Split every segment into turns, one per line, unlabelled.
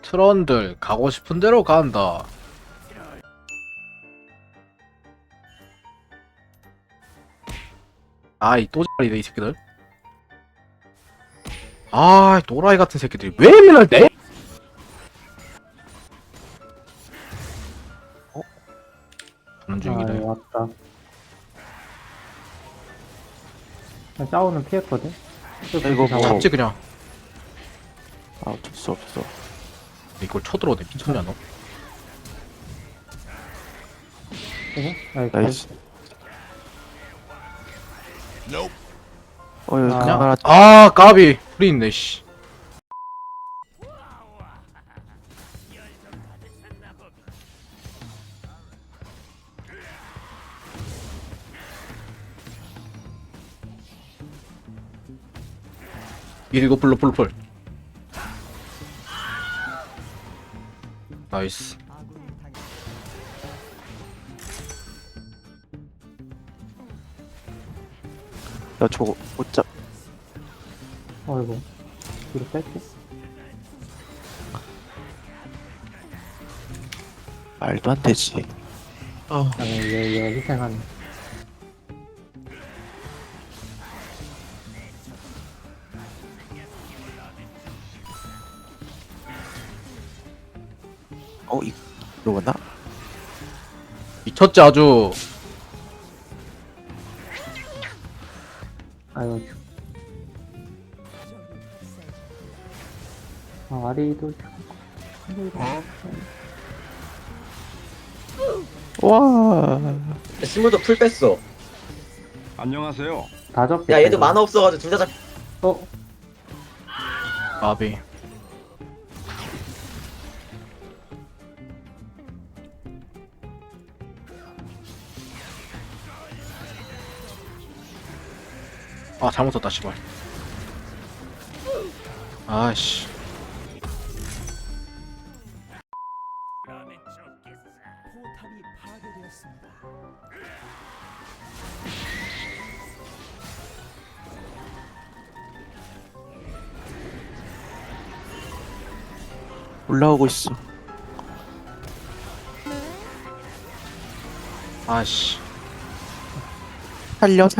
트런들 가고 싶은 대로 간다. 아이 또자리네 이 새끼들. 아 또라이 같은 새끼들이 왜 맨날 내? 가는
아,
중이래.
왔다. 싸우는 피했거든?
이거 뭐-
잡지 그냥.
아 어쩔 수 없어.
이걸 쳐들어오네 미쳤냐 너?
나이스. 여기
아.
그냥 하나
아 까비 프리 있네 씨. 이거 풀 나이스.
나 저거 못 잡.
어이구. 뒤로 뺄게.
말도 안 되지.
아니, 얘 희생하네.
이러구나.
미쳤지 아주.
아유. 아, 아리도.
와.
스무도 풀 뺐어.
안녕하세요.
다 접겠다.
야 얘도
이거.
만화 없어가지고 둘 다 잡.
어?
까비. 아 잘못 썼다 씨발. 아씨.
올라오고 있어.
아씨.
살려.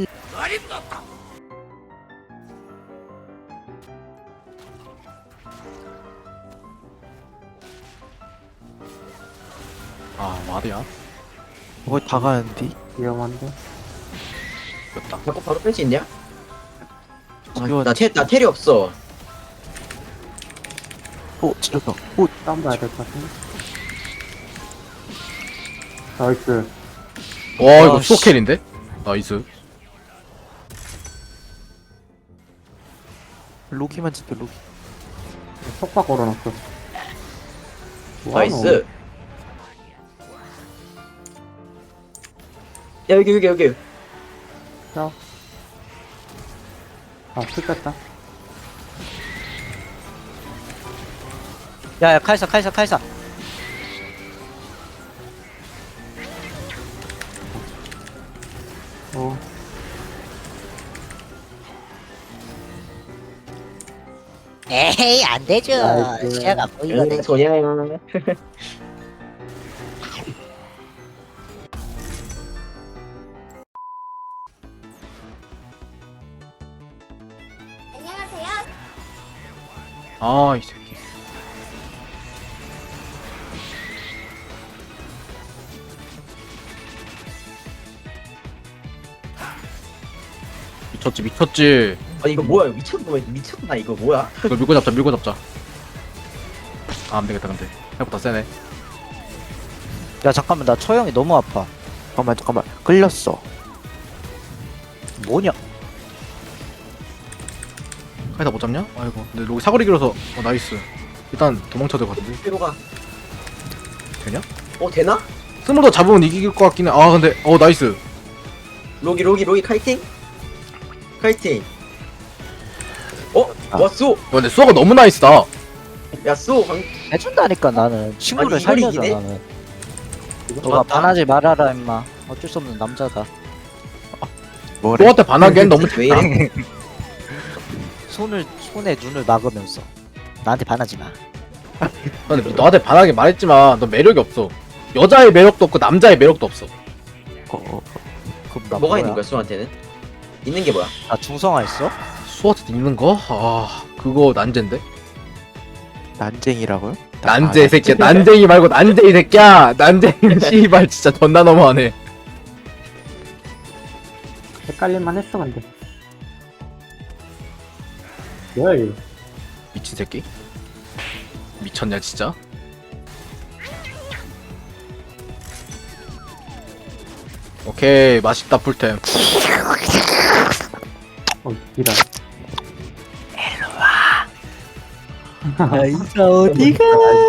아 말이야.
뭐 다 가는데.
위험한데?
됐다.
자꾸 바로 뺄 수 있냐?
이거
나 테리 없어.
찔렀다. 오.
싸움 봐야 될 것 같은데? 나이스.
와 이거
아, 씨.
수호켈인데? 나이스.
로기만 지켜 로기.
속박 걸어놨어.
나이스. 야 여기.
자. 아, 풀 뺐다.
야야 카이사
어.
에헤이 안되죠
나이스.
시야가 보이거든.
소냐.
아 이 새끼. 미쳤지.
아 이거 뭐야? 미쳤나 이거 뭐야?
이거 밀고 잡자. 아 안되겠다 근데 생각보다 세네.
야 잠깐만 나 처형이 너무 아파.
잠깐만. 끌렸어.
뭐냐?
카이사 못 잡냐? 아이고 근데 여기 사거리 길어서 나이스. 일단 도망쳐야 될 것 같은데.
뒤로 가.
되냐?
되나?
스몰더 잡으면 이길 것 같긴 해. 아 근데 나이스.
로기 카이팅.
아.
왔어.
야, 근데 수호가 너무 나이스다.
야 쏘.
해준다니까 나는 친구를
아니, 이걸
살려줘
이기네?
나는.
이거
너가
좋았다.
반하지 말아라 임마. 어쩔 수 없는 남자다.
뭐래?
수호한테 반하기엔 너무
왜
작다.
이래?
손에 눈을 막으면서 나한테 반하지 마.
근데 너한테 반하게 말했지만 너 매력이 없어. 여자의 매력도 없고 남자의 매력도 없어.
어,
그럼 나
뭐가 있는 거야 수한테는? 있는 게 뭐야?
나 중성화 있어?
수호한테 있는 거? 아 그거 난제인데?
난쟁이라고요?
난제 새끼야. 난쟁이 말고 난쟁이 새끼야. 난쟁이 씨발 진짜 존나 너무하네.
헷갈릴만 했어, 근데. 뭐야, 이거.
미친 새끼? 미쳤냐 진짜? 오케이 맛있다 풀템.
이런.
아이사 어디가?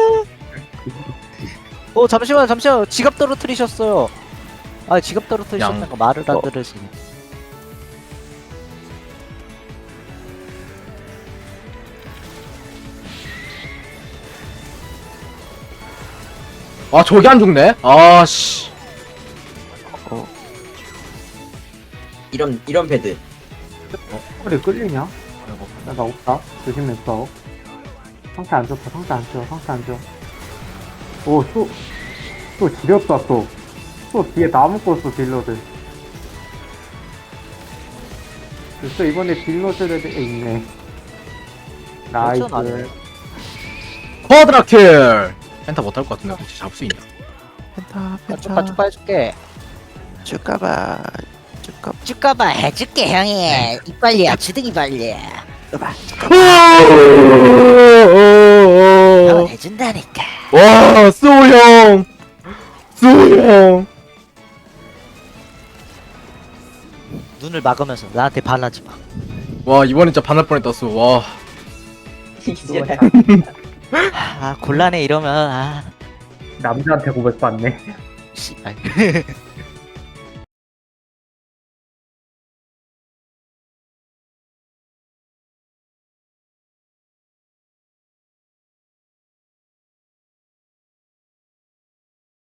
잠시만 지갑 떨어뜨리셨어요. 아 지갑 떨어뜨리셨다가 말을 안 들으시네.
아 저기 안 죽네? 아씨.
이런 패드.
허리 끌리냐?
아이고.
나 없다. 조심해, 싸워. 상태 안 좋다, 상태 안 좋아, 상태 안 좋아. 오, 또 지렸다, 또. 또 뒤에 다 묶었어, 딜러들. 또 이번에 딜러들에 있네. 나이스.
그렇죠, 나는.
쿼드라킬. 펜타 못할 것 같은데 혹시 잡을 수 있냐?
나 축하 해줄게.
쭉가봐.
쭈까봐 해줄게 형이 이빨리야 주둥이 빨리 형은 해준다니까.
와 수호 형.
눈을 막으면서 나한테 반하지 마.
와 이번엔 진짜 반할 뻔했다 수. 와.
이제
곤란해 이러면
남자한테 고백받네.
씨발.